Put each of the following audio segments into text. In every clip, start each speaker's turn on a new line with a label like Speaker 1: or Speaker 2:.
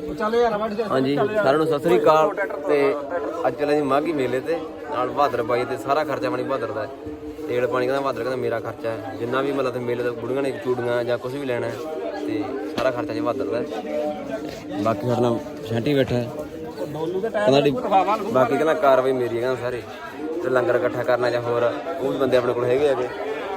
Speaker 1: ਹਾਂਜੀ ਸਾਰਿਆਂ ਨੂੰ ਸਤਿ ਸ੍ਰੀ ਅਕਾਲ। ਤੇ ਅੱਜ ਚੱਲੇ ਜੀ ਮਾਘੀ ਮੇਲੇ ਤੇ ਨਾਲ ਬਹਾਦਰ ਬਾਈ ਤੇ ਸਾਰਾ ਖਰਚਾ ਪਾਣੀ ਬਹਾਦਰ ਦਾ ਹੈ। ਤੇਲ ਪਾਣੀ ਕਹਿੰਦਾ ਬਹਾਦਰ ਕਹਿੰਦਾ ਮੇਰਾ ਖਰਚਾ ਹੈ, ਜਿੰਨਾ ਵੀ ਮਤਲਬ ਮੇਲੇ ਦਾ ਬੁੜੀਆਂ ਨੇ ਚੂੜੀਆਂ ਜਾਂ ਕੁਝ ਵੀ ਲੈਣਾ ਹੈ ਤੇ ਸਾਰਾ ਖਰਚਾ ਜੀ ਬਹਾਦਰ ਦਾ ਹੈ। ਬਾਕੀ ਸਾਡੇ ਨਾਲ ਸ਼ੈਂਟੀ ਬੈਠਾ ਹੈ ਕਹਿੰਦਾ ਬਾਕੀ ਕਹਿੰਦਾ ਕਾਰਵਾਈ ਮੇਰੀ ਹੈ ਕਹਿੰਦਾ ਸਾਰੇ ਤੇ ਲੰਗਰ ਇਕੱਠਾ ਕਰਨਾ ਜਾਂ ਹੋਰ ਉਹ ਵੀ ਬੰਦੇ ਆਪਣੇ ਕੋਲ ਹੈਗੇ ਹੈਗੇ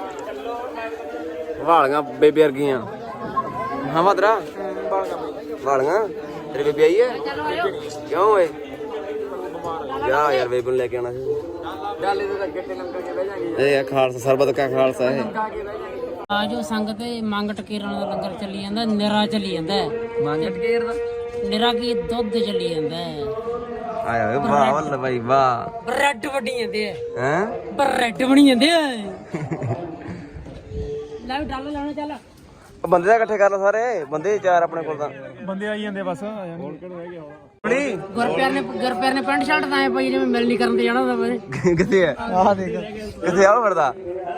Speaker 1: ਵਾਲੀਆਂ ਬੇਬੇ ਵਰਗੀਆਂ। ਹਾਂ ਬਹਾਦਰਾ ਵਾਲੀਆਂ ਤੇਰੀ ਬੇਬੀ ਆਈ ਹੈ ਕਿਉਂ ਓਏ ਜਾ ਯਾਰ ਬੇਬੀ ਨੂੰ ਲੈ ਕੇ ਆਉਣਾ ਸੀ ਇਹ ਖਾਲਸਾ ਸਰਬਤ ਕਾ ਖਾਲਸਾ ਹੈ।
Speaker 2: ਆ ਜੋ ਸੰਗਤ ਮੰਗ ਟਕੇਰਾਂ ਦਾ ਲੰਗਰ ਚੱਲੀ ਜਾਂਦਾ, ਨਿਰਾ ਚੱਲੀ ਜਾਂਦਾ ਮੰਗ ਟਕੇਰ ਦਾ ਨਿਰਾ ਕੀ ਦੁੱਧ ਚੱਲੀ ਜਾਂਦਾ
Speaker 1: ਆਇਆ ਓਏ ਵਾਹ ਵੱਲ ਬਾਈ ਵਾਹ
Speaker 2: ਬ੍ਰੈਡ ਵੜੀ ਜਾਂਦੇ ਆ
Speaker 1: ਹੈ
Speaker 2: ਬ੍ਰੈਡ ਬਣੀ ਜਾਂਦੇ ਆ ਲੈ ਡਾਲ ਲਾਉਣਾ ਚੱਲ
Speaker 1: ਬੰਦੇ ਤਾਂ ਇਕੱਠੇ ਕਰ ਲ ਸਾਰੇ ਬੰਦੇ ਚਾਰ ਆਪਣੇ ਕੋਲ ਤਾਂ
Speaker 3: ਬੰਦੇ ਆਈ ਜਾਂਦੇ ਬਸ ਹੋਰ ਕਿਹੜਾ ਰਹਿ ਗਿਆ
Speaker 2: ਗੁਰਪਿਆਰ ਨੇ ਪੈਂਟ ਸ਼ਰਟ ਤਾਂ ਐ ਪਈ ਜਿਵੇਂ ਮਿਲਣੀ ਕਰਨ ਤੇ ਜਾਣਾ ਹੁੰਦਾ
Speaker 1: ਕਿੱਥੇ ਆ
Speaker 3: ਆਹ ਦੇਖ
Speaker 1: ਕਿੱਥੇ ਆਉ ਫਿਰਦਾ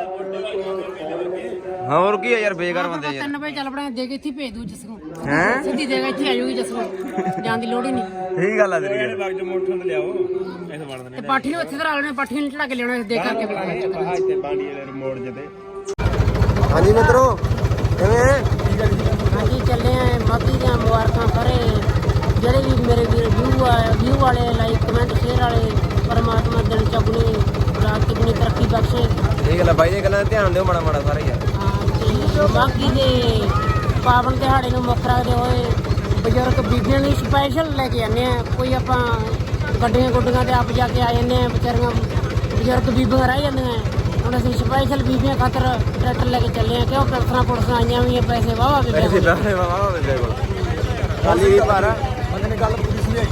Speaker 1: ਹੋਰ ਕੀ ਆ ਯਾਰ ਬੇਕਾਰ ਬੰਦੇ ਯਾਰ
Speaker 2: 3 ਵਜੇ ਚੱਲ ਪੜਾ ਦੇ ਕੇ ਇੱਥੇ ਭੇਜ ਦੂ ਜਸੂ
Speaker 1: ਹੈ
Speaker 2: ਸਿੱਧੀ ਦੇਗਾ ਇੱਥੇ ਆ ਜਾਊਗੀ ਜਸੂ ਜਾਣ ਦੀ ਲੋੜ ਹੀ ਨਹੀਂ।
Speaker 1: ਠੀਕ ਗੱਲ ਆ ਤੇਰੀ ਯਾਰ
Speaker 3: ਬਾਗ ਜੋ ਮੋਟਰ ਤੇ ਲਿਆਓ ਐਸੇ ਵੜ
Speaker 2: ਤੇ ਪਾਠੀ ਨੂੰ ਇੱਥੇ ਧਰਾ ਲੈਣੇ, ਪਾਠੀ ਨੂੰ ਚੜਾ ਕੇ ਲਿਆਉਣਾ ਦੇ ਕਰਕੇ ਬੁਲਾਣਾ
Speaker 3: ਇੱਥੇ ਬਾਂਡੀ ਵਾਲੇ ਮੋੜ ਜਦੇ।
Speaker 1: ਹਾਂਜੀ ਮਿੱਤਰੋ ਕਿਵੇਂ
Speaker 2: ਹਾਂਜੀ ਚੱਲੇ ਆ ਮਾਘੀ ਦੀਆਂ ਮੁਬਾਰਕਾਂ ਸਾਰੇ ਜਿਹੜੇ ਵੀ ਮੇਰੇ ਵੀਰ ਵਿਊ ਵਾਲੇ ਲਾਈਕ ਕਮੈਂਟ ਸ਼ੇਅਰ ਵਾਲੇ ਪਰਮਾਤਮਾ ਦਿਨ ਚੁਗਣੀ ਰਾਤ ਚੁਗਣੀ ਤਰੱਕੀ ਬਖਸ਼ੇ।
Speaker 1: ਠੀਕ ਗੱਲ ਆ ਬਾਈ ਦੇ ਗੱਲਾਂ ਧਿਆਨ ਦਿਓ ਮਾੜਾ ਮਾੜਾ ਸਾਰੇ ਯਾਰ।
Speaker 2: ਤੇ ਮਾਘੀ ਦੇ ਪਾਵਨ ਦਿਹਾੜੇ ਨੂੰ ਮੁੱਖ ਰੱਖਦੇ ਹੋਏ ਬਜ਼ੁਰਗ ਬੀਬੀਆਂ ਲਈ ਸਪੈਸ਼ਲ ਲੈ ਕੇ ਆਉਂਦੇ ਆ। ਕੋਈ ਆਪਾਂ ਗੱਡੀਆਂ ਗੁੱਡੀਆਂ ਤੇ ਆਪ ਜਾ ਕੇ ਆ ਜਾਂਦੇ ਆ, ਵਿਚਾਰੀਆਂ ਬਜ਼ੁਰਗ ਬੀਬੀਆਂ ਰਹਿ ਜਾਂਦੀਆਂ। ਹੁਣ ਅਸੀਂ ਸਪੈਸ਼ਲ ਬੀਬੀਆਂ ਖਾਤਰ ਟਰੈਕਟਰ ਲੈ ਕੇ ਚੱਲੇ ਆ ਕਿਉਂ ਪੈਸਾ ਪੁਲਿਸਾਂ ਆਈਆਂ ਵੀ ਪੈਸੇ ਵਾਵਾ ਵੀ
Speaker 1: ਪੈਸੇ ਵਾਹ ਵਾਹ ਬੇਬੇ ਕੋਲ ਖਾਲੀ ਵੀ ਪਰ
Speaker 3: ਬੰਦੇ ਨੇ ਗੱਲ ਪੂਰੀ ਸਮਝਾਈ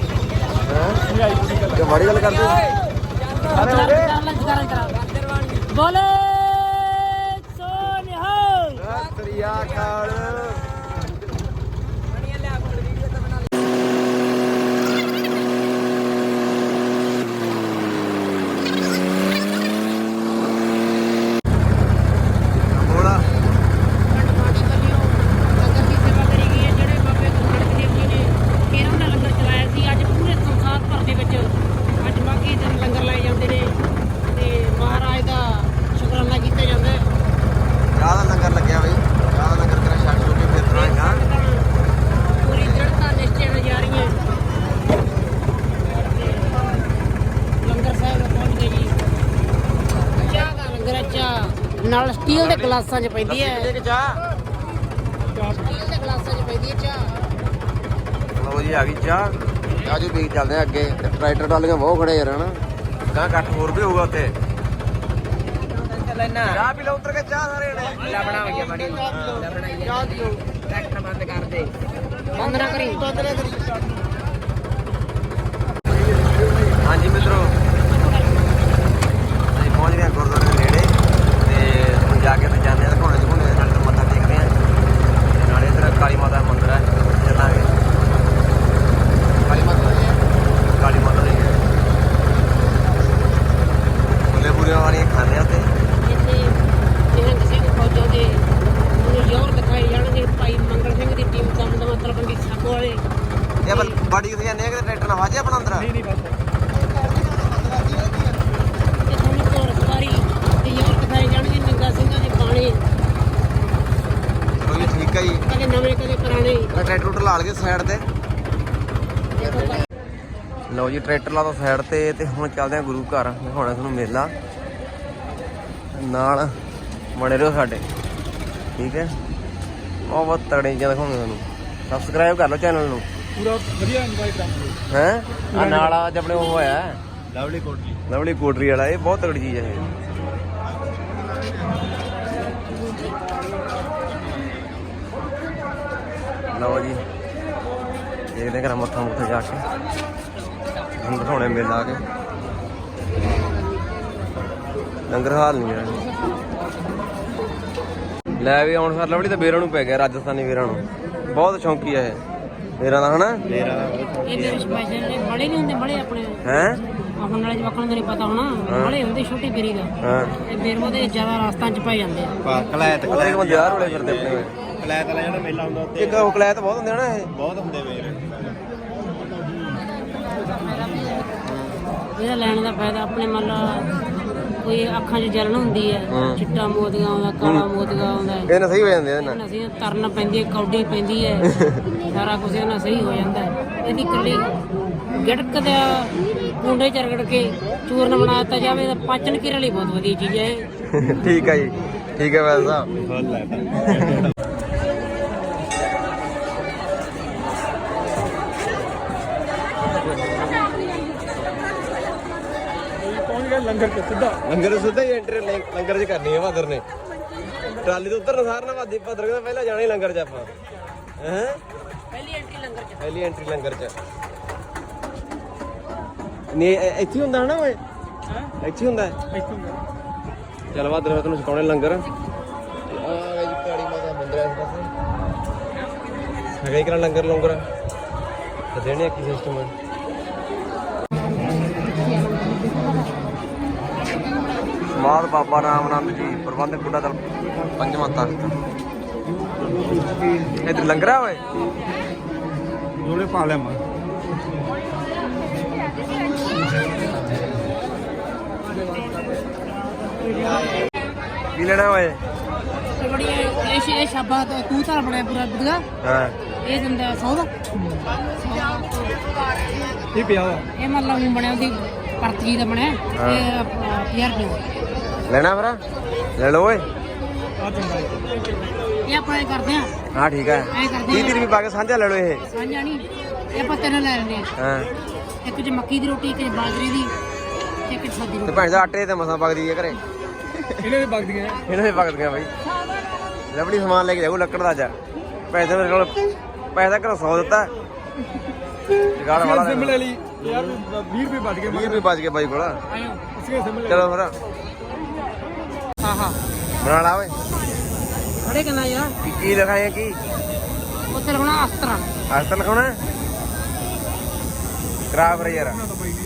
Speaker 1: ਹੈ ਕਿ ਬੜੀ ਗੱਲ ਕਰਦੇ
Speaker 2: ਬੋਲੇ ਸੋਨਿਹਾਲ
Speaker 1: ਸਤਰੀਆ ਕਾਲ
Speaker 2: ਨਾਲ ਸਟੀਲ ਦੇ ਗਲਾਸਾਂ 'ਚ ਪੈਂਦੀ ਹੈ
Speaker 1: ਚਾਹ
Speaker 2: ਸਟੀਲ ਦੇ ਗਲਾਸਾਂ 'ਚ ਪੈਂਦੀ ਹੈ ਚਾਹ।
Speaker 1: ਲਓ ਜੀ ਆ ਗਈ ਚਾਹ ਆਜੋ ਵੀ ਚੱਲਦੇ ਆ ਅੱਗੇ। ਟਰੈਕਟਰ ਟਾਲੀਆਂ ਬਹੁਤ ਖੜੇ ਯਾਰ ਹਨਾ ਗਾਂ ਇਕੱਠ ਹੋਰ ਵੀ ਹੋਊਗਾ ਉੱਥੇ। ਚਾਹ ਪੀ ਲਓ ਉਤਰ ਕੇ ਚਾਹ ਸਾਰੇ ਨੇ
Speaker 2: ਲੱਭਣਾ ਹੋ ਗਿਆ ਬੜੀ ਲੱਭਣਾ ਹੀ ਚਾਹ ਪੀਓ ਟਰੈਕਟਰ ਬੰਦ ਕਰ ਦੇ ਬੰਦ ਨਾ ਕਰੀ
Speaker 1: ਹਾਂਜੀ ਮਿੱਤਰੋ ਅਸੀਂ ਪਹੁੰਚ ਗਏ ਗੁਰਦੁਆਰੇ ਦੇ ਨੇੜੇ ਤੇ ਹੁਣ ਜਾ ਕੇ ਤੇ ਜਾਂਦੇ ਆ ਘੋੜੇ ਦੇ ਨਾਲ ਮੱਥਾ ਟੇਕਦੇ ਆ ਤੇ ਨਾਲੇ ਇੱਧਰ ਕਾਲੀ ਮਾਤਾ ਦਾ ਮੰਦਿਰ ਹੈ ਚੱਲਾਂਗੇ। ਕਾਲੀ ਮਾਤਾ ਦੇ ਬੁੱਲੇ ਬੁਰੇ ਵਾਲੀਆਂ ਖਾਂਦੇ ਆ ਤੇ
Speaker 2: ਇੱਥੇ ਨਿਹੰਗ ਸਿੰਘ ਫੌਜਾਂ ਦੇ ਨੂੰ ਜ਼ੋਰ ਦਿਖਾਏ ਜਾਣਗੇ। ਭਾਈ ਮੰਗਲ ਸਿੰਘ ਦੀ ਟੀਮ ਦਮਦਮਾ ਤਲਵੰਡੀ ਸਾਬੋ ਵਾਲੇ
Speaker 1: ਇਹ ਬਾੜੀ ਕਿੱਥੇ ਜਾਂਦੇ ਆ ਕਿ ਟਰੈਕਟਰ ਨਾਲ ਵਾਜੇ ਆਪਣਾ ਅੰਦਰ
Speaker 3: ਨਹੀਂ ਬਸ
Speaker 2: ਤੇ ਤੁਹਾਨੂੰ ਘੋੜ ਸਵਾਰੀ ਤੇ ਜ਼ੋਰ ਦਿਖਾਏ ਜਾਣਗੇ ਨਿਹੰਗਾ ਸਿੰਘਾਂ ਦੇ ਗਾਣੇ
Speaker 1: ਚਲੋ ਜੀ ਠੀਕ ਹੈ ਜੀ।
Speaker 2: ਕਦੇ ਨਵੇਂ ਕਦੇ ਪੁਰਾਣੇ।
Speaker 1: ਟਰੈਕਟਰ ਲਾ ਲਗੇ ਸਾਈਡ ਤੇ। ਲਓ ਜੀ ਟਰੈਕਟਰ ਲਾ ਦੋ ਸਾਈਡ ਤੇ ਹੁਣ ਚੱਲਦੇ ਆ ਗੁਰੂ ਘਰ ਦਿਖਾਉਣਾ ਤੁਹਾਨੂੰ ਮੇਲਾ ਨਾਲ ਬਣੇ ਰਹੋ ਸਾਡੇ ਠੀਕ ਹੈ। ਬਹੁਤ ਤਗੜੇ ਚੀਜ਼ਾਂ ਦਿਖਾਉਂਦੇ ਤੁਹਾਨੂੰ। ਸਬਸਕ੍ਰਾਈਬ ਕਰ ਲਓ ਚੈਨਲ ਨੂੰ
Speaker 3: ਪੂਰਾ ਵਧੀਆ ਇੰਜੋਏ ਕਰਾਂਗੇ।
Speaker 1: ਹੈ ਆ ਨਾਲ ਅੱਜ ਆਪਣੇ ਉਹ ਹੋਇਆ
Speaker 3: ਲਵਲੀ
Speaker 1: ਕੋਟਰੀ ਵਾਲਾ ਇਹ ਬਹੁਤ ਤਗੜੀ ਚੀਜ਼ ਹੈ ਇਹ। ਲਓ ਜੀ ਦੇਖਦੇ ਘਰਾਂ ਮੱਥਾ ਮੁੱਥਾ ਜਾ ਕੇ ਹੁਣ ਦਿਖਾਉਣੇ ਮੇਲਾ ਆ ਕੇ ਲੰਗਰ ਹਾਲ ਨਹੀਂ ਹੈ। ਲੈ ਵੀ ਆਉਣ ਸਰ ਲਵੜੀ ਤਾਂ ਬੇਰਾਂ ਨੂੰ ਪੈ ਗਿਆ ਰਾਜਸਥਾਨੀ ਬੇਰਾਂ ਨੂੰ ਬਹੁਤ ਸ਼ੌਂਕੀ ਹੈ ਇਹ ਬੇਰਾਂ ਦਾ ਹਨਾ।
Speaker 2: ਇਹ ਮੇਰੇ ਸਪੈਸ਼ਲ ਨੇ ਬੜੇ ਨਹੀਂ ਹੁੰਦੇ ਬੜੇ ਆਪਣੇ
Speaker 1: ਹੈ
Speaker 2: ਹੁਣ ਨਾਲੇ ਜਵਾਕਾਂ ਨੂੰ ਨਹੀਂ ਪਤਾ ਹੋਣਾ ਬੜੇ ਹੁੰਦੇ ਛੋਟੀ ਬੇਰੀ ਦਾ
Speaker 1: ਹਾਂ
Speaker 2: ਇਹ ਬੇਰਮੋ ਦੇ ਜ਼ਿਆਦਾ ਰਾਸਤਾਂ 'ਚ ਪੈ ਜਾਂਦੇ ਆ।
Speaker 3: ਕਲੈਤ
Speaker 1: ਬੰਦੇ ਯਾਰ ਹੋਲੇ ਫਿਰਦੇ ਆਪਣੇ
Speaker 3: ਕਲੈਤ ਵਾਲਾ ਜਿਹੜਾ ਮੇਲਾ ਹੁੰਦਾ ਉੱਤੇ
Speaker 1: ਇੱਕ ਉਹ ਕਲੈਤ ਬਹੁਤ ਹੁੰਦੇ ਨਾ ਇਹ
Speaker 3: ਬਹੁਤ ਹੁੰਦੇ ਵੇਰ
Speaker 2: ਇਹਦਾ ਲੈਣ ਦਾ ਫਾਇਦਾ ਆਪਣੇ ਮੰਨ ਲਾ ਕੋਈ ਅੱਖਾਂ 'ਚ ਜਲਨ ਹੁੰਦੀ ਹੈ, ਚਿੱਟਾ ਮੋਤੀਆ ਆਉਂਦਾ, ਕਾਲਾ ਮੋਤੀਆ ਆਉਂਦਾ,
Speaker 1: ਇਹ ਨਾ ਸਹੀ ਹੋ ਜਾਂਦੇ ਇਹਦੇ ਨਾਲ।
Speaker 2: ਇਹਨਾਂ ਅਸੀਂ ਤਰਨ ਪੈਂਦੀ ਹੈ, ਕੌਡੀ ਪੈਂਦੀ ਹੈ, ਸਾਰਾ ਕੁਝ ਇਹਨਾਂ ਸਹੀ ਹੋ ਜਾਂਦਾ ਹੈ। ਇਹਦੀ ਇਕੱਲੀ ਗਿੜਕ ਦਾ ਕੁੰਡੇ ਚ ਰਗੜ ਕੇ ਚੂਰਨ ਬਣਾ ਦਿੱਤਾ ਜਾਵੇ ਤਾਂ ਪਾਚਨ ਕਿਰਿਆ ਲਈ ਬਹੁਤ ਵਧੀਆ ਚੀਜ਼ ਹੈ ਇਹ।
Speaker 1: ਠੀਕ ਹੈ ਜੀ, ਠੀਕ ਹੈ ਵੈਦ ਸਾਹਿਬ।
Speaker 3: ਪਹੁੰਚ ਗਏ ਲੰਗਰ ਤੇ ਸਿੱਧਾ।
Speaker 1: ਲੰਗਰ ਸਿੱਧਾ ਹੀ ਐਂਟਰੀ ਲੰਗਰ 'ਚ ਕਰਨੀ ਹੈ ਭਾਦਰ ਨੇ। ਟਰਾਲੀ ਤੋਂ ਉੱਤਰ ਨਸਾਰ ਨਾ ਭਾਦਰ ਕਹਿੰਦਾ ਪਹਿਲਾਂ ਜਾਣਾ ਹੀ ਲੰਗਰ 'ਚ ਆਪਾਂ। ਹੈ
Speaker 2: ਪਹਿਲੀ ਐਂਟਰੀ ਲੰਗਰ ਚ।
Speaker 1: ਪਹਿਲੀ ਐਂਟਰੀ ਲੰਗਰ 'ਚ ਨਹੀਂ ਇੱਥੇ ਹੁੰਦਾ ਹਨਾ ਓਏ? ਇੱਥੇ ਹੁੰਦਾ ਚੱਲ ਭਾਦਰ ਮੈਂ ਤੈਨੂੰ ਸਿਖਾਉਣੇ ਲੰਗਰ। ਆ ਜੀ ਕਾਲੀ ਮਾਤਾ ਮੰਦਿਰ ਇਸ ਪਾਸੇ ਹੈਗਾ ਹੀ ਕਰਾਂ ਲੰਗਰ ਲੰਗਰ ਤੇ ਦੇਣੇ ਕੀ ਸਿਸਟਮ ਹੈ। ਸਮਾਧ ਬਾਬਾ ਰਾਮ ਆਨੰਦ ਜੀ ਪ੍ਰਬੰਧਕ ਬੁੱਢਾ ਦਲ ਪੰਜਵਾਂ ਤਖਤ। ਇੱਧਰ ਲੰਗਰ ਆ ਓਏ
Speaker 3: ਜੋੜੇ ਪਾ ਲਿਆ ਮੈਂ।
Speaker 1: ਕੀ ਲੈਣਾ ਓਏ?
Speaker 2: ਤੇ ਬੜੀ ਇਹ ਸ਼ਾਬਾ ਤੂੰ ਤਾਂ ਬਣਿਆ ਪੂਰਾ ਬੁੱਧਾ।
Speaker 1: ਹਾਂ
Speaker 2: ਇਹ ਦਿੰਦਾ 100 ਦਾ।
Speaker 3: ਇਹ ਪਿਆ ਵਾ।
Speaker 2: ਇਹ ਮਤਲਬ ਹੁਣ ਬਣਿਆ ਉਹਦੀ ਪਰਚੀ ਦਾ ਬਣਿਆ। ਇਹ 50 ਰੁਪਏ
Speaker 1: ਲੈਣਾ ਫਿਰ ਲੈ ਲਓ ਓਏ।
Speaker 3: ਆ ਚੰਗਾ
Speaker 2: ਇਹ ਆਪਾਂ ਇਹ ਕਰਦੇ ਆ।
Speaker 1: ਹਾਂ ਠੀਕ ਹੈ
Speaker 2: ਐਂ ਕਰਦੇ
Speaker 1: 30 ਰੁਪਏ ਪਾ ਕੇ ਸਾਂਝਾ ਲੈ ਲਓ ਇਹ।
Speaker 2: ਸਾਂਝਾ ਨਹੀਂ, ਇਹ ਆਪਾਂ ਤਿੰਨ ਲੈ ਲੈਂਦੇ ਆ।
Speaker 1: ਹਾਂ
Speaker 2: ਇੱਕ ਚ ਮੱਕੀ ਦੀ ਰੋਟੀ, ਇੱਕ ਚ ਬਾਜਰੇ ਦੀ, ਇੱਕ ਚ ਸਾਦੀ
Speaker 1: ਤੇ
Speaker 2: ਰੋਟੀ।
Speaker 1: ਭੈਣ ਦਾ ਆਟੇ ਤੇ ਮਸਾਂ ਪਕਦੀ ਹੈ ਘਰੇ।
Speaker 3: ਇਹਨਾਂ ਦੇ ਵਗਦੀਆਂ।
Speaker 1: ਇਹਨਾਂ ਦੇ ਪਕਦੀਆਂ ਬਾਈ। ਲਵੜੀ ਸਮਾਨ ਲੈ ਕੇ ਜਾਊ ਲੱਕੜ ਦਾ ਅੱਜ। ਪੈਸੇ ਮੇਰੇ ਕੋਲ ਪੈਸਾ ਘਰੋਂ 100 ਦਿੱਤਾ। ਜਗਾੜ ਵਾਲਾ
Speaker 3: ਸਿਮ ਲੈ ਲਈ ਯਾਰ 20 ਰੁਪਏ ਬਚ ਗਏ।
Speaker 1: 20 ਰੁਪਏ ਬਚ ਗਏ ਬਾਈ ਕੋਲ।
Speaker 2: ਆਇਓ
Speaker 3: ਉਸਕੇ ਸਿਮ ਲੈ।
Speaker 1: ਚਲੋ ਫਿਰ
Speaker 2: ਹਾਂ ਹਾਂ
Speaker 1: ਬਣਾ ਲਾ ਓਏ।
Speaker 2: ਖੜੇ ਕਿੰਨਾ ਯਾਰ
Speaker 1: ਕੀ ਲਿਖਾਇਆ ਕੀ?
Speaker 2: ਉੱਥੇ ਲਿਖਣਾ ਅਸਤਰਾ।
Speaker 1: ਅੱਜ ਤਾਂ ਲਿਖਾਉਣਾ ਕਰਾ ਫਿਰ ਯਾਰ।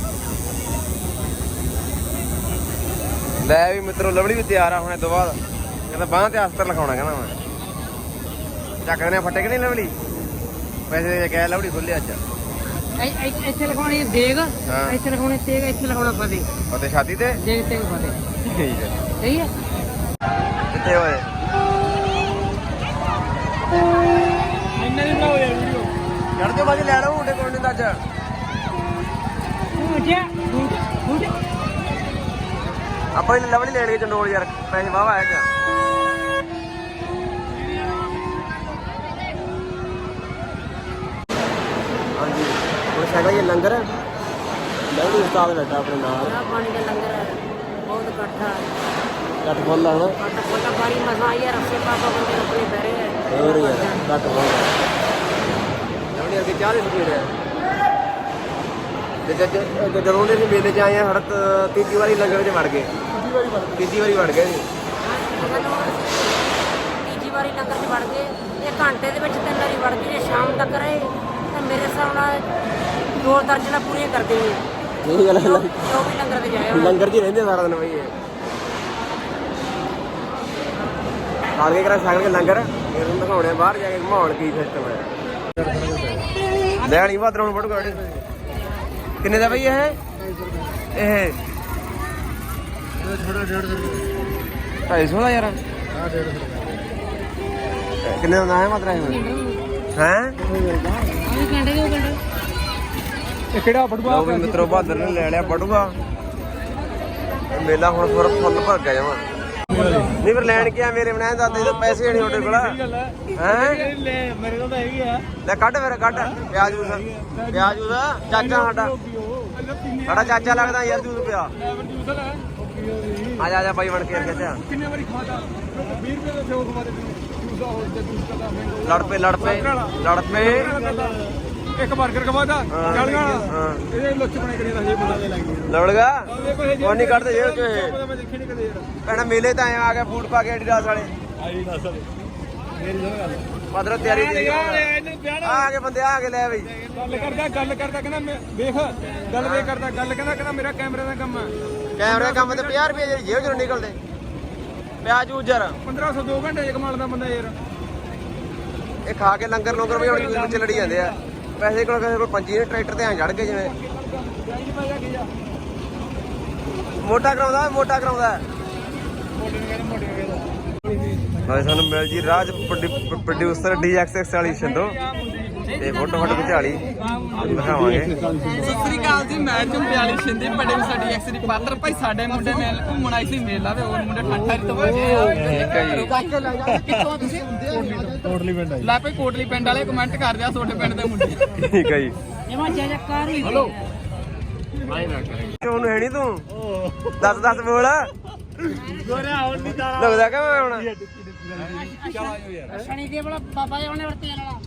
Speaker 1: ਲੈ ਵੀ ਮਿੱਤਰੋ ਲਵੜੀ ਵੀ ਤਿਆਰ ਆ ਹੁਣ ਇਹ ਤੋਂ ਬਾਅਦ। ਕਹਿੰਦਾ ਬਾਂਹ ਤੇ ਅਸਤਰ ਲਿਖਾਉਣਾ ਕਹਿੰਦਾ ਮੈਂ। ਚੱਕ ਦੇਣੇ ਫੱਟੇ ਕਿ ਨਹੀਂ ਲਵੜੀ? ਪੈਸੇ ਦੇ ਕੇ ਕਹਿ ਲਵੜੀ ਖੁੱਲੇ ਅੱਜ।
Speaker 2: ਇੱਥੇ ਲਿਖਾਉਣੀ ਦੇਗ,
Speaker 1: ਹਾਂ।
Speaker 2: ਇੱਥੇ ਲਿਖਾਉਣੀ ਤੇਗ, ਇੱਥੇ ਲਿਖਾਉਣਾ ਫਤਿਹ।
Speaker 1: ਅਤੇ ਛਾਤੀ ਤੇ
Speaker 2: ਦੇਗ ਤੇਗ ਫਤਿਹ।
Speaker 1: ਠੀਕ ਹੈ।
Speaker 2: ਸਹੀ ਹੈ।
Speaker 1: ਕਿੱਥੇ ਹੋਏ?
Speaker 3: ਇੰਨਾ ਨਹੀਂ ਬਣਾਓ ਯਾਰ ਵੀਡੀਓ।
Speaker 1: ਚੜ ਜਾਓ ਬਾਜੀ ਲੈ ਲਓ ਮੁੰਡੇ ਕੋਲ ਨਹੀਂ ਤਾਂ ਅੱਜ। ਆਪਾਂ ਇਹ ਲਵੜੀ ਲੈਣ ਗਏ ਚੰਡੋਲ ਯਾਰ। ਪੈਸੇ ਵਾਵਾ ਆਇਆ ਕਿਆ? ਹਾਂਜੀ ਹੁਣ ਸਾਡਾ ਇਹ ਲੰਗਰ ਲਵੜੀ ਉਸਤਾਦ ਬੈਠਾ ਆਪਣੇ ਨਾਲ।
Speaker 2: ਚਾਹ ਪਾਣੀ ਦਾ ਲੰਗਰ ਹੈ, ਬਹੁਤ ਇਕੱਠਾ
Speaker 1: ਕੱਟ ਖੋਲ ਲਾ ਹੁਣ।
Speaker 2: ਕੱਟਾ ਬਾਰੀ ਮਸਾ ਆਇਆ ਰੱਸੇ ਪਾਪਾ ਬੰਦੇ ਆਪਣੇ ਬਹਿਰੇ ਹੈ।
Speaker 1: ਹੋਰ ਯਾਰ ਕੱਟ ਖੋਲ ਲਵੜੀ ਅੱਗੇ ਚਾਹ ਦੇ ਸਪੀਡ ਹੈ। ਤੇ ਜਦੋਂ ਦੇ ਅਸੀਂ ਮੇਲੇ 'ਚ ਆਏ ਆ ਹੜਤ ਤੀਜੀ ਵਾਰੀ ਲੰਗਰ 'ਚ ਵੜ ਗਏ। ਤੀਜੀ ਵਾਰੀ ਵੜ ਗਏ ਜੀ।
Speaker 2: ਤੀਜੀ ਵਾਰੀ ਲੰਗਰ 'ਚ ਵੜ ਗਏ। ਇਹ ਘੰਟੇ ਦੇ ਵਿੱਚ 3 ਵਾਰੀ ਵੜ ਗਏ। ਜੇ ਸ਼ਾਮ ਤੱਕ ਰਹੇ ਤਾਂ ਮੇਰੇ ਹਿਸਾਬ ਨਾਲ 2 ਦਰਜਨਾਂ ਪੂਰੀਆਂ ਕਰ ਦੇਣੀਆਂ।
Speaker 1: ਇਹ ਗੱਲ
Speaker 2: ਜੋ ਵੀ ਲੰਗਰ ਤੇ ਜਾਇਆ
Speaker 1: ਲੰਗਰ 'ਚ ਹੀ ਰਹਿੰਦੇ ਸਾਰਾ ਦਿਨ ਬਈ ਇਹ। ਖਾਲ ਕੇ ਕਰਾ ਛਕ ਕੇ ਲੰਗਰ ਫਿਰ ਉਹਨੂੰ ਦਿਖਾਉਣੇ ਬਾਹਰ ਜਾ ਕੇ ਮਾਹੌਲ ਕੀ ਸਿਸਟਮ ਹੈ। ਲੈਣੀ ਬਾਦਰ ਹੁਣ ਫੋਟੋ ਕਾੜੇ ਕਿੰਨੇ ਦਾ ਬਈ ਇਹ? ਇਹ
Speaker 3: ਥੋੜਾ 150
Speaker 1: 250 ਦਾ ਯਾਰ।
Speaker 3: ਹਾਂ 150
Speaker 1: ਕਿੰਨੇ ਦਾ ਹੈ ਮਾਤਰਾ ਹੈ?
Speaker 2: ਆਹ ਘੰਟੇ ਦੇ ਘੰਟੇ
Speaker 3: ਇਹ ਕਿਹੜਾ ਫੜੂਆ?
Speaker 1: ਲਓ ਵੀ ਮਿੱਤਰੋ ਬਹਾਦਰ ਨੇ ਲੈ ਲਿਆ ਬਟੂਆ। ਇਹ ਮੇਲਾ ਹੁਣ ਫੁੱਲ ਭਰ ਗਿਆ ਜਮਾ। ਨਹੀਂ ਫਿਰ ਲੈਣ ਕੇ ਆ ਮੇਰੇ ਬਣਾਏ ਦਾਦੇ ਤੋਂ ਪੈਸੇ ਨਹੀਂ ਤੁਹਾਡੇ ਕੋਲ ਹੈ?
Speaker 3: ਲੈ ਮੇਰੇ ਕੋਲ ਤਾਂ ਹੈਗੀ ਆ।
Speaker 1: ਲੈ ਕੱਢ ਫਿਰ ਕੱਢ ਪਿਆਜ ਜੂਸ। ਪਿਆਜ ਜੂਸ ਚਾਚਾ ਸਾਡਾ ਚਾਚਾ ਲੱਗਦਾ ਯਾਰ ਜੂਸ ਪਿਆ। ਆ ਜਾ ਬਾਈ ਬਣ ਕੇ ਆ ਗਿਆ।
Speaker 3: ਕਿੰਨੇ ਵਾਰੀ ਖਾਦਾ 20 ਰੁਪਏ ਦਾ ਸੇਵ ਖਵਾ ਦੇ ਜੂਸ ਦਾ ਹੋਰ ਜੂਸ ਦਾ ਮੈਂਗੋ।
Speaker 1: ਲੜ ਪਏ
Speaker 3: ਇੱਕ 버ਗਰ ਖਵਾਦਾ 40 ਵਾਲਾ। ਇਹ ਲੁੱਚ ਬਣੇ ਕਰੀ ਦਾ ਇਹ ਬੰਦਾ ਦੇ ਲੱਗ ਗਿਆ।
Speaker 1: ਲੜਗਾ ਉਹ ਨਹੀਂ ਕੱਢਦੇ ਜੇਬ ਚੋਂ ਇਹ।
Speaker 3: ਮੈਂ ਦੇਖੀ ਨਹੀਂ ਕਦੇ ਯਾਰ।
Speaker 1: ਭੈਣਾ ਮੇਲੇ ਤਾਂ ਆ ਗਿਆ ਫੂਡ ਪਾ ਕੇ ਐਡੀਡਾਸ ਵਾਲੇ।
Speaker 3: ਆਈ ਦੱਸ ਮੇਰੀ ਜਗ੍ਹਾ ਗੱਲ
Speaker 1: ਮਦਰ ਤਿਆਰੀ
Speaker 3: ਇਹਨੂੰ ਵਿਆਹ
Speaker 1: ਆ ਕੇ ਬੰਦੇ ਆ ਕੇ ਲੈ ਬਈ।
Speaker 3: ਗੱਲ ਕਰਦਾ ਕਹਿੰਦਾ ਮੈਂ ਵੇਖ ਗੱਲ ਵੇ ਕਰਦਾ ਗੱਲ ਕਹਿੰਦਾ ਮੇਰਾ ਕੈਮਰੇ ਦਾ ਕੰਮ ਆ।
Speaker 1: ਕੈਮਰੇ ਕੰਮ ਤੇ 50 ਰੁਪਏ ਜਿਹੜੀ ਜੇਬ ਚੋਂ ਨਿਕਲਦੇ। ਪਿਆਜ ਜੂਜਰ
Speaker 3: 1500 2 ਘੰਟੇ ਚ ਕਮਾਲਦਾ ਬੰਦਾ ਯਾਰ।
Speaker 1: ਇਹ ਖਾ ਕੇ ਲੰਗਰ ਵੀ ਹੁਣ ਵਿੱਚ ਲੜੀ ਜਾਂਦੇ ਆ। ਪੈਸੇ ਕੋਲ ਕਿਸੇ ਕੋਲ ਪੰਜੀ ਨੇ ਟਰੈਕਟਰ ਤੇ ਐਂ ਚੜ ਗਏ ਜਿਵੇਂ ਮੋਟਾ ਕਰਾਉਂਦਾ ਨਾਲੇ ਸਾਨੂੰ ਮਿਲ ਜੀ ਰਾਜ ਪ੍ਰੋਡਿਊਸਰ DXX ਵਾਲੀ ਛੰਦੋ ਤੇ ਫੋਟੋ ਖਿਚਾਲੀ ਦਿਖਾਵਾਂਗੇ।
Speaker 4: ਸਤਿ ਸ੍ਰੀ ਅਕਾਲ ਜੀ, ਮੈਂ ਝੁੰਬਿਆਲੀ ਸ਼ਿੰਦੇ ਬੜੇ ਸਾਡੀ ਐਕਸ ਦੀ ਪਾਤਰ ਭਾਈ ਸਾਡੇ ਮੁੰਡੇ ਮੇਲ ਘੁੰਮਣ ਆਈ ਸੀ ਮੇਲਾ ਤੇ ਹੋਰ ਮੁੰਡੇ ਠਾਠਾ ਤੋਂ ਕਿੱਥੋਂ ਤੁਸੀਂ ਕੋਟਲੀ ਪਿੰਡ ਆਈ ਲੈ ਭਾਈ ਕੋਟਲੀ ਪਿੰਡ ਵਾਲੇ ਕਮੈਂਟ ਕਰ ਦਿਆ ਤੁਹਾਡੇ ਪਿੰਡ ਦੇ ਮੁੰਡੇ
Speaker 1: ਠੀਕ ਹੈ ਜੀ।
Speaker 2: ਜਮਾ ਜੈਕਾਰ ਹੋਈ
Speaker 4: ਹਲੋ
Speaker 1: ਉਹਨੂੰ ਹੈ ਨੀ ਤੂੰ ਦੱਸ ਬੋਲ ਲੱਗਦਾ ਕਿ ਮੈਂ ਹੁਣ
Speaker 2: ਸ਼ਨੀ ਦੇ ਵਾਲਾ ਬਾਬਾ ਜੀ ਉਹਨੇ ਵਰਤੇ ਵਾਲਾ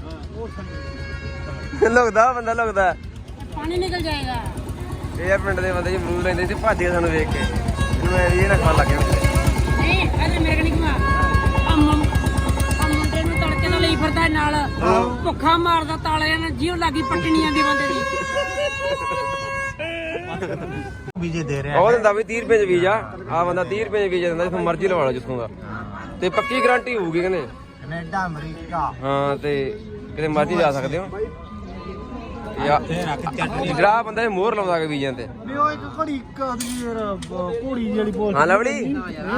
Speaker 1: ਲੱਗਦਾ
Speaker 2: ਪਾਣੀ ਨਿਕਲ ਜਾਏਗਾ।
Speaker 1: ਇਹ ਪਿੰਡ ਦੇ ਬੰਦੇ ਜੀ ਮੂਲ ਲੈਂਦੇ ਸੀ ਭੱਜ ਕੇ ਸਾਨੂੰ ਵੇਖ ਕੇ ਇਹਨੂੰ ਐ ਇਹ ਨਾ ਖਾਣ ਲੱਗ ਗਿਆ
Speaker 2: ਨਹੀਂ ਅਰੇ ਮੇਰੇ ਨਹੀਂ ਕਮਾ ਮੁੰਡੇ ਨੂੰ ਤੜਕੇ ਨਾਲ ਲਈ ਫਿਰਦਾ ਨਾਲ ਭੁੱਖਾ ਮਾਰਦਾ ਤਾਲਿਆਂ ਨਾਲ ਜਿਉ ਲੱਗੀ ਪੱਟਣੀਆਂ ਦੀ ਬੰਦੇ ਦੀ
Speaker 5: ਵੀਜ਼ੇ ਦੇ ਰਿਹਾ
Speaker 1: ਉਹ ਦਿੰਦਾ ਵੀ 30 ਰੁਪਏ ਚ ਵੀਜ਼ਾ ਆ ਬੰਦਾ 30 ਰੁਪਏ ਚ ਵੀਜ਼ਾ ਦਿੰਦਾ ਜਿੱਥੋਂ ਮਰਜ਼ੀ ਲਵਾ ਲਓ ਜਿੱਥੋਂ ਦਾ ਤੇ ਪੱਕੀ ਗਾਰੰਟੀ ਹੋਊਗੀ ਕਹਿੰਦੇ
Speaker 5: ਕੈਨੇਡਾ ਅਮਰੀਕਾ
Speaker 1: ਹਾਂ ਤੇ ਕਿਤੇ ਮਰਜ਼ੀ ਜਾ ਸਕਦੇ ਹੋ ਜਿਹੜਾ ਬੰਦਾ ਇਹ ਮੋਹਰ ਲਾਉਂਦਾ ਕਿ ਵੀਜ਼ਿਆਂ ਤੇ
Speaker 5: ਵੀ ਉਹ ਇੱਕ ਘੜੀ ਕਦੀ ਯਾਰ ਘੋੜੀ ਜਿਹੜੀ ਬੋਲ
Speaker 1: ਹਾਂ ਲਵਲੀ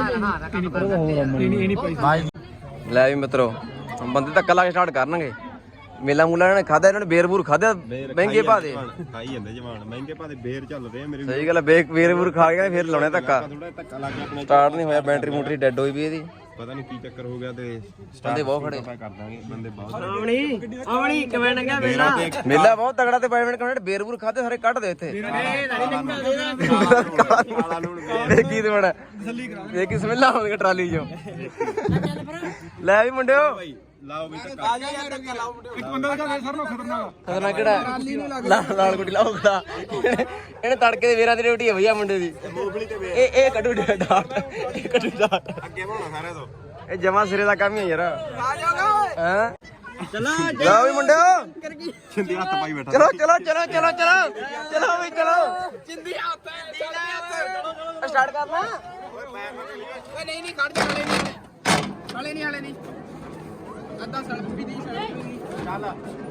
Speaker 1: ਲੈ ਵੀ ਮਿੱਤਰੋ ਬੰਦੇ ਧੱਕਾ ਲਾ ਕੇ ਸਟਾਰਟ ਕਰਨਗੇ ਮੇਲਾ ਮੂਲਾ ਇਹਨਾਂ ਨੇ ਖਾਦਾ ਇਹਨਾਂ ਨੇ ਬੇਰ-ਬੂਰ ਖਾਦਾ ਮਹਿੰਗੇ ਭਾਅ ਦੇ
Speaker 6: ਖਾਈ ਜਾਂਦੇ ਜਵਾਨ ਮਹਿੰਗੇ ਭਾਅ ਦੇ ਬੇਰ ਚੱਲਦੇ ਆ ਮੇਰੇ
Speaker 1: ਸਹੀ ਗੱਲ ਹੈ ਬੇਰ-ਬੂਰ ਖਾ ਕੇ ਫਿਰ ਲਾਉਣੇ ਧੱਕਾ
Speaker 6: ਥੋੜਾ ਧੱਕਾ ਲੱਗ ਗਿਆ ਆਪਣੇ
Speaker 1: ਸਟਾਰਟ ਨਹੀਂ ਹੋਇਆ ਬੈਟਰੀ ਮੋਟਰੀ ਡੈਡ ਹੋਈ ਵੀ ਇਹਦੀ
Speaker 6: ਪਤਾ ਨਹੀਂ ਕੀ ਚੱਕਰ ਹੋ ਗਿਆ ਤੇ
Speaker 1: ਬੰਦੇ ਬਹੁਤ ਖੜੇ
Speaker 6: ਕਰ ਦਾਂਗੇ ਬੰਦੇ ਬਹੁਤ
Speaker 2: ਆਵਣੀ ਕਿਵੇਂ ਨੰਗਾ
Speaker 1: ਮੇਲਾ ਬਹੁਤ ਤਗੜਾ ਤੇ ਪ੍ਰਾਈਵੇਟ ਕਮੈਂਟ ਬੇਰ-ਬੂਰ ਖਾਦੇ ਸਾਰੇ ਕੱਢ ਦੇ ਇੱਥੇ ਇਹ ਕੀ ਦਵੜਾ ਇਹ ਕੀ ਸਮੈਲਾ ਹੋਣਗੇ ਟਰਾਲੀ ਚੋਂ ਲੈ ਵੀ ਮੁੰਡਿਓ
Speaker 6: ਲਾਓ ਵੀ ਧੱਕਾ
Speaker 3: ਇੱਕ ਬੰਦਾ ਦਾ ਸਰ ਨੂੰ ਖਤਰਨਾਕ
Speaker 1: ਖਤਰਨਾਕ ਕਿਹੜਾ ਲਾਲ ਗੁੱਡੀ ਲਾਓ ਖੜਾ ਇਹਨੇ ਤੜਕੇ ਦੇ ਵੇਰਾਂ ਦੀ ਰੋਟੀ ਹੈ ਭਈਆ ਮੁੰਡੇ ਦੀ ਇਹ ਕੱਢੂ ਡਾਟ ਇਹ ਕੱਢੂ ਡਾਟ
Speaker 6: ਅੱਗੇ ਬਣਾਉਣਾ ਸਾਰਿਆਂ ਤੋਂ
Speaker 1: ਇਹ ਜਮਾ ਸਿਰੇ ਦਾ ਕੰਮ ਹੀ ਹੈ ਯਾਰ ਹਾਂ ਚਲੋ ਵੀ ਮੁੰਡਿਓ
Speaker 6: ਛਿੰਦੀ ਹੱਥ ਪਾਈ ਬੈਠਾ
Speaker 1: ਚਲੋ ਵੀ ਚਲੋ
Speaker 4: ਜਿੰਦੀ ਹੱਥ ਹੈ
Speaker 1: ਸਟਾਰਟ ਕਰਨਾ
Speaker 4: ਓਏ ਨਹੀਂ ਖੜ ਜਾ ਹਲੇ ਨਹੀਂ ਅੱਧਾ ਸੜਕ ਵੀ ਨਹੀਂ ਚੱਲ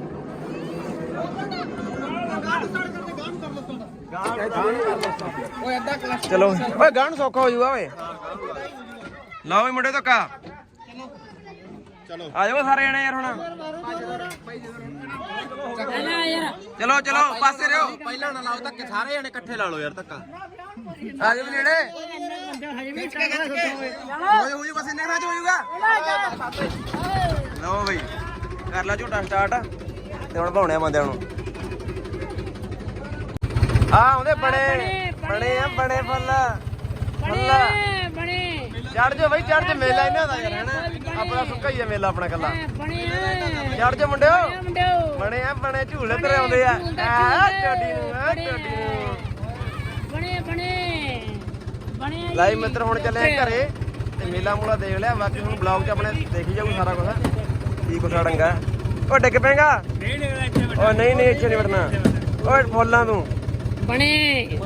Speaker 4: ਓਏ ਅੱਧਾ ਕਲਚ
Speaker 1: ਚਲੋ ਓਏ ਗਾਣ ਸੌਖਾ ਹੋ ਜਾਊਗਾ ਓਏ ਲਾਓ ਵੀ ਮੁੰਡੇ ਧੱਕਾ
Speaker 6: ਚਲੋ
Speaker 1: ਆ ਜਾਓ ਸਾਰੇ ਜਣੇ ਯਾਰ ਹੁਣ ਚਲੋ ਪਾਸੇ ਰਹੋ
Speaker 6: ਪਹਿਲਾਂ ਨਾ ਲਾਓ ਧੱਕੇ ਸਾਰੇ ਜਣੇ ਇਕੱਠੇ ਲਾ ਲਓ ਯਾਰ ਧੱਕਾ
Speaker 1: ਆ ਜਾਓ ਨੇੜੇ ਹੋ ਜੂ ਬਸ ਇੰਨੇ ਨਾਲ ਹੋ ਜਾਊਗਾ ਲਓ ਬਈ ਕਰ ਲਾ ਝੂਟਾ ਸਟਾਰਟ ਤੇ ਹੁਣ ਭਾਉਣੇ ਬੰਦਿਆਂ ਨੂੰ ਆਉਂਦੇ ਬਣੇ ਬਣੇ ਫੁੱਲ
Speaker 2: ਬਣੇ
Speaker 1: ਚੜ ਜਾ ਬਈ ਚੜ ਜਾ ਮੇਲਾ ਇਹਨਾਂ ਦਾ ਯਾਰ ਹੈਨਾ ਆਪਣਾ ਸੁੱਕਾ ਹੀ ਆ ਮੇਲਾ ਆਪਣਾ ਕੱਲਾ ਚੜ ਜਾ ਮੁੰਡਿਓ ਬਣੇ ਝੂਲੇ ਤੇ ਆਉਂਦੇ ਆ ਟੋਡੀ ਨੂੰ
Speaker 2: ਬਣੇ
Speaker 1: ਲਾਈ ਮਿੱਤਰ ਹੁਣ ਚੱਲੇ ਘਰੇ ਤੇ ਮੇਲਾ ਮੂਲਾ ਦੇਖ ਲਿਆ ਬਾਕੀ ਹੁਣ ਬਲੌਗ 'ਚ ਆਪਣੇ ਦੇਖੀ ਜਾਊ ਸਾਰਾ ਕੁਝ ਕੀ ਕੁਛ ਡੰਗਾ ਉਹ ਡਿੱਗ ਪੈਂਗਾ ਉਹ ਨਹੀਂ ਇੱਥੇ ਨਹੀਂ ਵੜਨਾ ਓਏ ਫੁੱਲਾਂ ਤੂੰ ਬਣੇ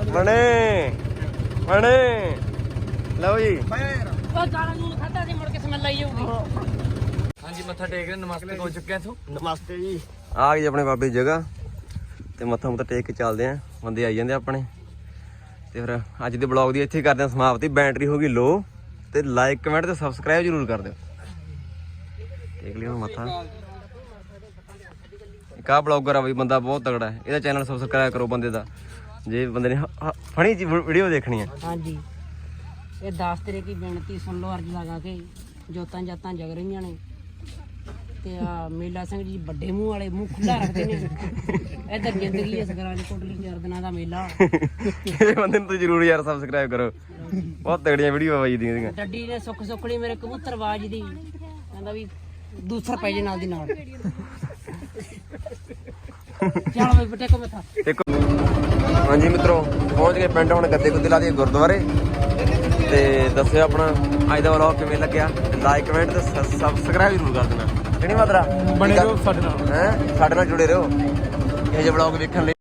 Speaker 1: ਲਓ ਜੀ
Speaker 2: ਉਹ ਗਾਲਾਂ ਨੂੰ ਖਾਦਾ ਸੀ ਮੁੜ ਕੇ ਸਮੈਲ ਆਈ ਜਾਊਗੀ
Speaker 4: ਹਾਂਜੀ ਮੱਥਾ ਟੇਕ ਨਮਸਤੇ ਹੋ ਚੁੱਕਿਆ ਤੂੰ
Speaker 5: ਨਮਸਤੇ ਜੀ
Speaker 1: ਆ ਗਈ ਆਪਣੇ ਬਾਬੇ ਦੀ ਜਗ੍ਹਾ ਤੇ ਮੱਥਾ ਮੁੱਥਾ ਟੇਕ ਕੇ ਚੱਲਦੇ ਆਂ ਬੰਦੇ ਆਈ ਜਾਂਦੇ ਆਪਣੇ ਤੇ ਫਿਰ ਅੱਜ ਦੇ ਬਲੌਗ ਦੀ ਇੱਥੇ ਕਰਦੇ ਆਂ ਸਮਾਪਤੀ ਬੈਟਰੀ ਹੋ ਗਈ ਲੋ ਤੇ ਲਾਈਕ ਕਮੈਂਟ ਤੇ ਸਬਸਕ੍ਰਾਈਬ ਜ਼ਰੂਰ ਕਰ ਦਿਓ ਟੇਕ ਲਿਓ ਮੱਥਾ ਇੱਕ ਆ ਬਲੌਗਰ ਆ ਬਈ ਬੰਦਾ ਬਹੁਤ ਤਗੜਾ ਹੈ ਇਹਦਾ ਚੈਨਲ ਸਬਸਕ੍ਰਾਈਬ ਕਰੋ ਬੰਦੇ ਦਾ ਜੇ ਬੰਦੇ ਨੇ ਫਨੀ ਜੀ ਵੀਡੀਓ ਦੇਖਣੀ ਹੈ
Speaker 2: ਹਾਂਜੀ ਇਹ 10 ਤੇਰੇ ਕੀ ਬੇਨਤੀ ਸੁਣ ਲਓ ਅਰਜ਼ ਲਗਾ ਕੇ ਜੋਤਾਂ ਜਾਤਾਂ ਜਗ ਰਹੀਆਂ ਨੇ ਤੇ ਆ ਮੇਲਾ ਸਿੰਘ ਜੀ ਵੱਡੇ ਮੂੰਹ ਵਾਲੇ ਮੂੰਹ ਖੁੱਲਾ ਰੱਖਦੇ ਨੇ ਇਧਰ ਜ਼ਿੰਦਗੀ ਇਸ ਗਰਾਜ ਕੋਟਲੀ 4 ਦਿਨਾਂ ਦਾ ਮੇਲਾ
Speaker 1: ਇਹ ਬੰਦੇ ਨੂੰ ਤੁਸੀਂ ਜ਼ਰੂਰ ਯਾਰ ਸਬਸਕ੍ਰਾਈਬ ਕਰੋ ਬਹੁਤ ਤਗੜੀਆਂ ਵੀਡੀਓ ਆਈ ਦੀਆਂ
Speaker 2: ਡੱਡੀ ਨੇ ਸੁੱਖ ਸੁੱਖਣੀ ਮੇਰੇ ਕਬੂਤਰ ਬਾਜ ਦੀ ਕਹਿੰਦਾ ਵੀ ਦੂਸਰ ਪੈ ਜੇ ਨਾਲ ਦੀ ਨਾਲ ਚਲ ਬਈ ਬਟੇ ਕੋ ਮਥਾ
Speaker 1: ਦੇਖੋ ਹਾਂਜੀ ਮਿੱਤਰੋ ਪਹੁੰਚ ਗਏ ਪਿੰਡ ਹੁਣ ਗੱਦੇ ਗੁੱਦੇ ਲਾ ਦਈਏ ਗੁਰਦੁਆਰੇ ਤੇ ਦੱਸਿਓ ਆਪਣਾ ਅੱਜ ਦਾ ਵਲੌਗ ਕਿਵੇਂ ਲੱਗਿਆ ਲਾਈਕ ਕਮੈਂਟ ਤੇ ਸਬਸਕ੍ਰਾਈਬ ਜ਼ਰੂਰ ਕਰ ਦੇਣਾ ਕਿਹੜੀ ਮਾਤਰਾ
Speaker 3: ਬਣੇ ਰਹੋ ਸਾਡੇ ਨਾਲ
Speaker 1: ਸਾਡੇ ਨਾਲ ਜੁੜੇ ਰਹੋ ਇਹ ਜਿਹੇ ਵਲੌਗ ਵੇਖਣ ਲਈ